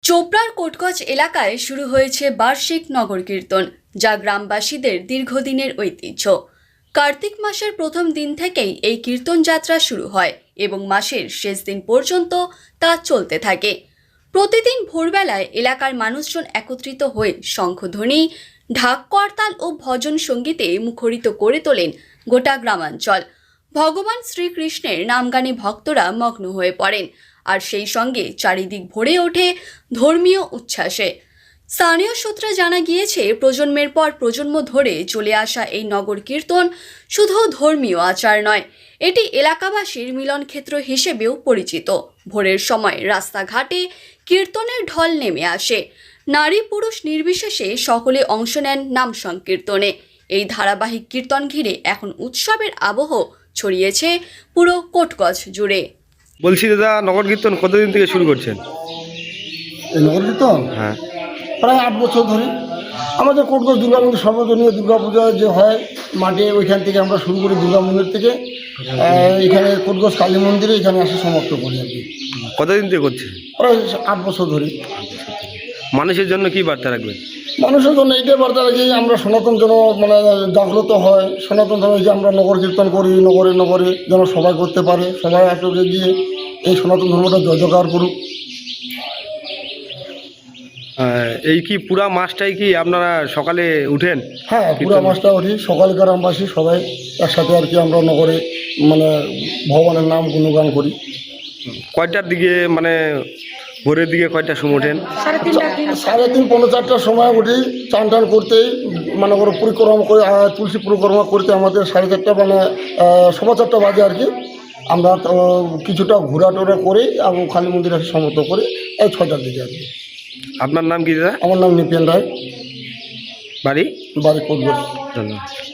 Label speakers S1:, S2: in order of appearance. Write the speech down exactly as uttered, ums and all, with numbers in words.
S1: চোপড়ার কোটগজ এলাকায় শুরু হয়েছে বার্ষিক নগর কীর্তন, যা গ্রামবাসীদের দীর্ঘদিনের ঐতিহ্য। কার্তিক মাসের প্রথম দিন থেকেই এই কীর্তন যাত্রা শুরু হয় এবং মাসের শেষ দিন পর্যন্ত তা চলতে থাকে। প্রতিদিন ভোরবেলায় এলাকার মানুষজন একত্রিত হয়ে শঙ্খধ্বনি, ঢাক, করতাল ও ভজন সঙ্গীতে মুখরিত করে তোলেন গোটা গ্রামাঞ্চল। ভগবান শ্রীকৃষ্ণের নামগানে ভক্তরা মগ্ন হয়ে পড়েন, আর সেই সঙ্গে চারিদিক ভরে ওঠে ধর্মীয় উচ্ছ্বাসে। স্থানীয় সূত্রে জানা গিয়েছে, প্রজন্মের পর প্রজন্ম ধরে চলে আসা এই নগর কীর্তন শুধু ধর্মীয় আচার নয়, এটি এলাকাবাসীর মিলনক্ষেত্র হিসেবেও পরিচিত। ভোরের সময় রাস্তাঘাটে কীর্তনের ঢল নেমে আসে, নারী পুরুষ নির্বিশেষে সকলে অংশ নেন নাম সংকীর্তনে। এই ধারাবাহিক কীর্তন ঘিরে এখন উৎসবের আবহ ছড়িয়েছে পুরো কোটগজ জুড়ে।
S2: বলছি দাদা, নগর কীর্তন কতদিন থেকে শুরু করছেন?
S3: এই নগর কীর্তন
S2: হ্যাঁ,
S3: প্রায় আট বছর ধরে। আমাদের কোটগজ দুর্গা মন্দির সর্বজনীয় দুর্গা পূজা যে হয় মাঠে, ওইখান থেকে আমরা শুরু করি দুর্গা মন্দির থেকে। এখানে কোটগজ কালী মন্দিরে এখানে আসে সমাপ্ত করি আর কি।
S2: কতদিন থেকে করছেন?
S3: প্রায় আট বছর ধরে।
S2: মানুষের জন্য কি বার্তা রাখবেন?
S3: মানুষের জন্য এইটাই বার্তা রাখি, আমরা সনাতন যেন মানে জাগ্রত হয়, সনাতন ধর্মে যে আমরা নগর কীর্তন করি, নগরে নগরে যেন সবাই করতে পারে, সবাই আসলে গিয়ে এই সনাতন ধর্মটা জয় জয়কার করুক।
S2: এই কি পুরা মাসটাই কি আপনারা সকালে উঠেন?
S3: হ্যাঁ, পুরো মাসটা উঠি, সকাল গ্রামবাসী সবাই একসাথে আর কি আমরা নগরে মানে ভগবানের নাম গুণগান করি।
S2: কয়টার দিকে, মানে ভোরের দিকে কয়টার সময় ওঠেন?
S3: সাড়ে তিন পনেরো চারটার সময় উঠি, চান টান করতেই মানে ওরা পরিক্রমা করে, তুলসী পরিক্রমা করতে আমাদের সাড়ে চারটা মানে সবা চারটা বাজে আর কি। আমরা কিছুটা ঘোরা টোরা করে এবং কালী মন্দির আসে সমর্থ করে এই ছয়টার দিকে আর কি।
S2: আপনার নাম কি দাদা?
S3: আমার নাম নিপেন রায়,
S2: বাড়ি?
S3: বাড়ি কোটগজ।
S2: ধন্যবাদ।